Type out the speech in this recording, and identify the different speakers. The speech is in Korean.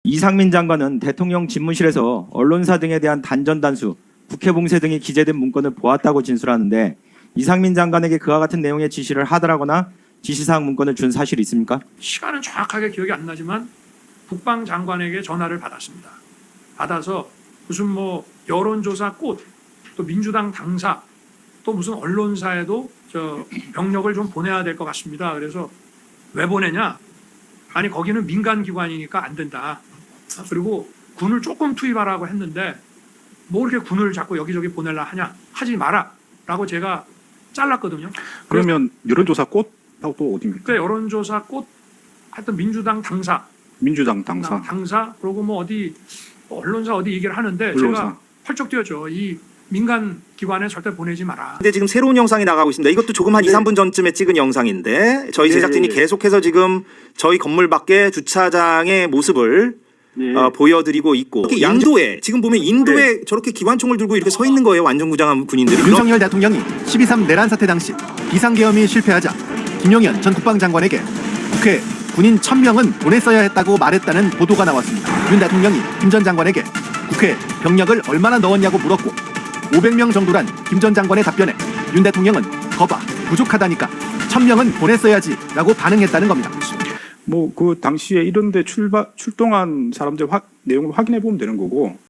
Speaker 1: 이상민 장관은 대통령 집무실에서 언론사 등에 대한 단전단수, 국회 봉쇄 등이 기재된 문건을 보았다고 진술하는데 이상민 장관에게 그와 같은 내용의 지시를 하더라거나 지시사항 문건을 준 사실이 있습니까?
Speaker 2: 시간은 정확하게 기억이 안 나지만 국방장관에게 전화를 받았습니다. 받아서 무슨 뭐 여론조사 꽃, 또 민주당 당사, 또 무슨 언론사에도 병력을 좀 보내야 될 것 같습니다. 그래서 왜 보내냐? 아니 거기는 민간기관이니까 안 된다. 그리고 군을 조금 투입하라고 했는데 뭐 이렇게 군을 자꾸 여기저기 보내려 하냐? 하지 마라 라고 제가 잘랐거든요.
Speaker 3: 그러면 여론조사 꽃하고 또 어디입니까?
Speaker 2: 그러니까 여론조사 꽃 하여튼 민주당 당사,
Speaker 3: 민주당 당사.
Speaker 2: 그리고 뭐 어디 언론사 어디 얘기를 하는데
Speaker 3: 언론사.
Speaker 2: 제가 펄쩍 뛰었죠. 이 민간 기관에 절대 보내지 마라.
Speaker 4: 근데 지금 새로운 영상이 나가고 있습니다. 이것도 조금 한 2, 3분 전쯤에 찍은 영상인데 저희 제작진이 계속해서 지금 저희 건물 밖에 주차장의 모습을 보여드리고 있고 특히 인도에 지금 보면 인도에 저렇게 기관총을 들고 이렇게 서 있는 거예요. 완전무장한 군인들이.
Speaker 5: 윤석열 대통령이 12.3 내란 사태 당시 비상계엄이 실패하자 김용현 전 국방장관에게 국회에 군인 1000명은 보냈어야 했다고 말했다는 보도가 나왔습니다. 윤 대통령이 김 전 장관에게 국회에 병력을 얼마나 넣었냐고 물었고 500명 정도란 김 전 장관의 답변에 윤 대통령은 거봐 부족하다니까 1000명은 보냈어야지 라고 반응했다는 겁니다.
Speaker 3: 뭐 그 당시에 이런데 출동한 사람들 내용을 확인해 보면 되는 거고